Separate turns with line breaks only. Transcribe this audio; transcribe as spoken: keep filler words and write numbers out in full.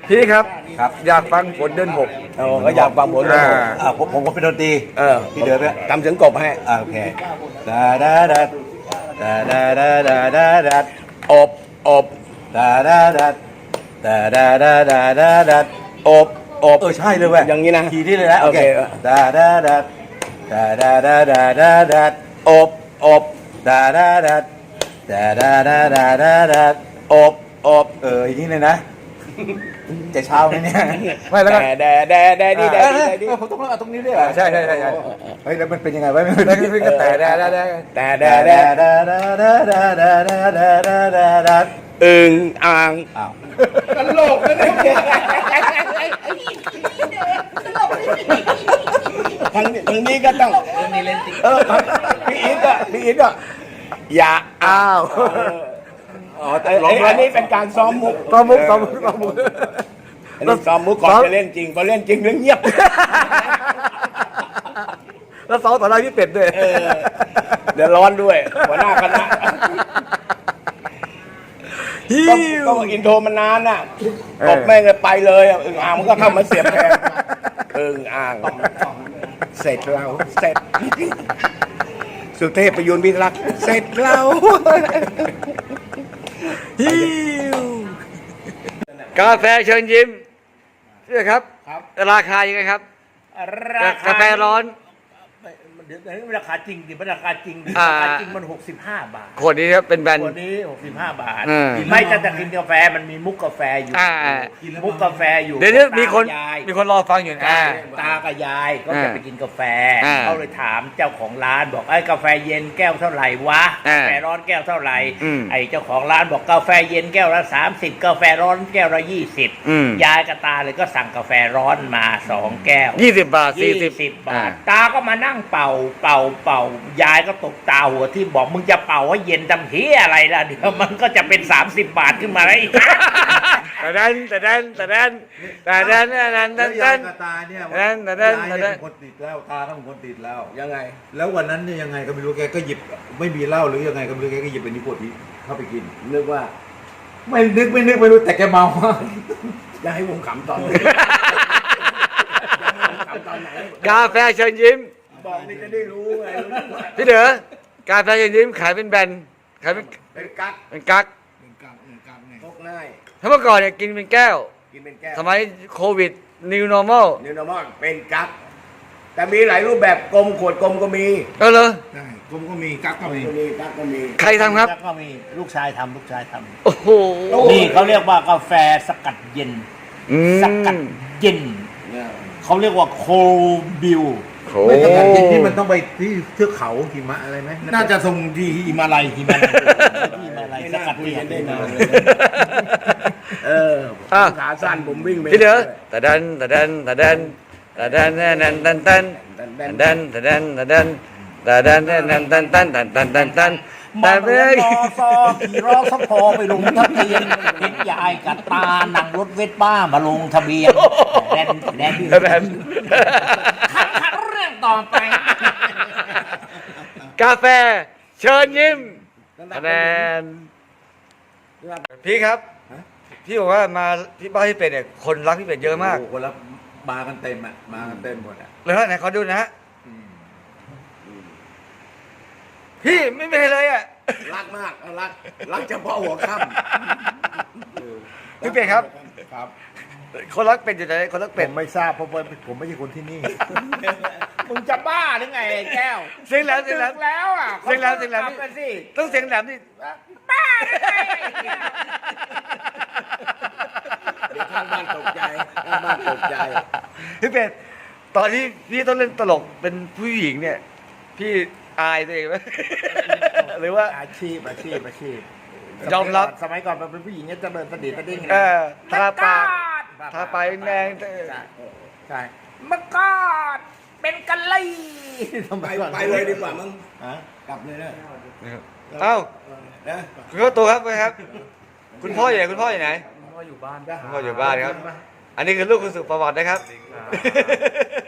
พี่ครับ
ครับ
อยากฟังฝนเดือนหก
โอ้ก็อยากฟังผมเลย
อ่า
อ่าผมผมก็เป็นดนตรี
เออ
พี่เดือดเนี่ย
ทำเสียงกบให้
อ่าโอเคดาดาดาดาดาดาดาดาดา
อบอบ
ดาดาดาดาดาดาดาดาดา
อบอบ
เออใช่เลยเว้ย
อย่างนี้นะ
ทีที่เลยนะโอเค
โอเค
ดาดาดาดาดาดาดาดาดา
อบอบ
ดาดาดาดาดาดาดาดาดา
อบอบ
เอออย่างนี้เลยนะจะเช้าไหมเนี่ย
ไม่แล้วก็แดแดแดดีแด
เออ
ดี
เออ
แดดี
เออผมต้องเล่าตรงนี้ด้วยเหรอ
ใช่ใช่ใช่ใช่
เฮ้ยแล้วมันเป็นยังไงวะไม่
แล้วก็ก็แต่แดแดแดแต่แด
ดา
แด
ดาดาดาดาดาดาดาดาดาดาดา
อึ่งอ่าง
อ้าว
ตลกนะเนี่ยทางนี้ทางนี้ก็ต้องเออพี่อีทก็พี่อีทก็อย่าอ้าว
อ๋อแต่
ไอ้
ร้อง
อันนี้เป็นการซ้อมมุก
ซ้อมมุกซ้อมมุกซ้อมมุก
อันนี้ซ้อมมุกก่อนจะเล่นจริงพอเล่นจริงเรื่องเงียบ
แล้วซ้อมต่อหน้าพี่เป็ดด้วย
เออเดี๋ยวร้อนด้วยหัวหน้าคณะ
ฮิ
ก็
ว
ก็อินโทรมันนานน่ะตบแม่งเลยไปเลยอ่ะอึ่งอ่างมันก็เข้ามาเสียบแทนอึ่งอ่างเสร็จเราเสร็จสุเทพประยุนพิรักษ์เสร็จเรา
ฮิว
กาแฟเชิญยิ้มใช่ไหมครับ
ครับ
ราคายังไงครับ กาแฟร้อน
เดี๋ยวนี้ราคาจริงดิมันราคาจริงดิ
อ่า
ราคาจริงมันหกสิบห้าบาท
ขวดนี้ครับเป็นแบรนด์
ตัวนี้หกสิบห้าบาท
อืม
ไม่จะจะกินกาแฟมันมีมุกกาแฟอยู่
อ่า
มุกกาแฟอยู่
เดี๋ยวนี้มีคน
ตายาย
มีคนรอฟังอยู่นะอ่า
ตากับยายก็
อ่า
จะไปกินกาแฟ
อ่า
เขาเลยถามเจ้าของร้านบอกไอ้กาแฟเย็นแก้วเท่าไหร่วะ
อ่าก
าแฟร้อนแก้วเท่าไหร่
อืม
ไอ้เจ้าของร้านบอกกาแฟเย็นแก้วละสามสิบกาแฟร้อนแก้วละยี่สิบ
อืม
ยายกับตาเลยก็สั่งกาแฟร้อนมาสองแก้ว
ยี่สิบบาทสี่
ยี่
สิบ
สิบบา
อ่า
ท ตาก็มานั่งเป่าเป่าเป่ายายก็ตกตาหัวที่บอกมึงจะเป่าให้เย็นทำเฮียอะไรล่ะเดี๋ยวมันก็จะเป็นสามสิบบาทขึ้นมาแล้วอีก
แต่ดันแต่ดันแต่ดันแต่ดันแต่ดันแต่
แล้ว
ดั
ยาย
น
กับตาเนี่ย
นั่นนั่น
ยาย
นั่น
เนี่ยเป็นคนติดเหล้าตาก็เป็นคนติดเหล้า
ยังไง
แล้ววันนั้นเนี่ยยังไงก็ไม่รู้แกก็หยิบไม่มีเหล้าหรือยังไงก็ไม่รู้แกก็หยิบเป็นนิโคตินเข้าไปกิน
นึกว่า
ไม่นึกไม่นึกไม่รู้แต่แกเมา
จะให้ผมขำตอนไหนขำตอนไหน
กาแฟเชิญยิ้ม
บอกนี่จะได้รู้ไง
พี่เด๋อกาแฟเชิญยิ้มขายเป็นแบรนด์ขายเป็น
เป็นกั๊ก
เป็นกั๊ก
เป็นกั๊กเป็นกั๊กไงพกง่าย
ถ้าเมื่อก่อนเนี่ยกินเป็นแก้ว
กินเป็นแก้ว
สมัยโควิด new normal
นิวนอร์มอลเป็นกั๊กแต่มีหลายรูปแบบกลมขวดกลมก็มี
เออเลย
ใช่ผมก็มีกั๊กก็มี
ก็มีกั๊กก็มี
ใครทำครับ
แล้วก็มีลูกชายทำลูกชายท
โอ้โห
ำนี่เขาเรียกว่ากาแฟสกัดเย็น
อืม
สกัดเย็น
เนี่ย
เขาเรียกว่าโคบิว
โอ้
ไม่สกัดกินนี่มันต้องไปที่เทือกเขาหิมะอะไรไหม
น่าจะส่งที่ฮิมาลัยฮิมาลัย
ที่มาอะไร
ไม่
ส
น่า
กัด
คุย
เย็
กัน
น
ได้นาน
เล
เลย ยเออผมขาสั้นผมวิ่งไป
พี่เด๋อแต่ดันแต่ดันแต่ดันแต่ดันแต่ดันแต่ดันแต่ดันแต่ดันแต่ดันแต่ดันแต่ดันแต่ดันแต่ดันแต่ดันแต่ดัน
มา
แต่
เรี
ไม่
ยนรอซอขี่รอสพอไปลงทะเบียนเห็นยายกับตานั่งรถเวทบ้ามาลงทะเบียนแดนแดน
แต่ดัน
ขัดขัดเรื่องต่อไป
กาแฟเชิญยิ้มแต่ดันพี่ครับ พี่บอกว่ามาที่บ้านพี่เป็ดเนี่ยคนรักพี่เป็ดเยอะมาก
โอ้โหคนละมากันเต็มอ่ะมากันเต็มหมดอ่ะ
เลยฮะไหนขอดูนะฮะพี่ไม่เป็นไรเลยอ่ะ
รักมากเอารักรักเฉพาะหัวค่ำ
พี่เป็ดครับ
ครับ
คนรักเป็ดอยู่ไหนคนรัก
ผ
เป็ด
มไม่ทราบเพราะว่าผมไม่ใช่คนที่นี่
มึงจะบ้าหรือไงไอ้แก้ว
เสียงแหลมเสียงแหลม
ดึกแล้วอ่ะ
เสียงแหลมเสียงแหลม
กบกันสิ
ต้องเสียงแหลมดิ
บ้าหรือไง
เดี๋ยวข้างบ้านตกใจข้างบ้านตกใจ
พี่เป็ดตอนที่พี่ต้องเล่นตลกเป็นผู้หญิงเนี่ย พี่อายตัวเองไหม หรือว่า
อาชีพอาชีพอาชีพ
ยอมรับ
สมัยก่อนมันเป็นผู้หญิงเนี่ยจะเดินสะดิดสะดิ้ง
เออทาปาก
เมื่อก่อน
ทาปากแดงๆ
ใช่ใช่เมื่อก่อนเป็นกะลี่
ไปไปเลยดีกว่ามึง
ฮะ
กลับเลยนะ
เอ้า
นะ
คุณพ่อตัวครับไปครับ คุณพ่ออยู่ไหนคุณพ่ออยู่ไหน
พ่ออยู่บ้าน
คุณพ่ออยู่บ้านครับ อันนี้คือลูกคุณสุประวัตินะครับ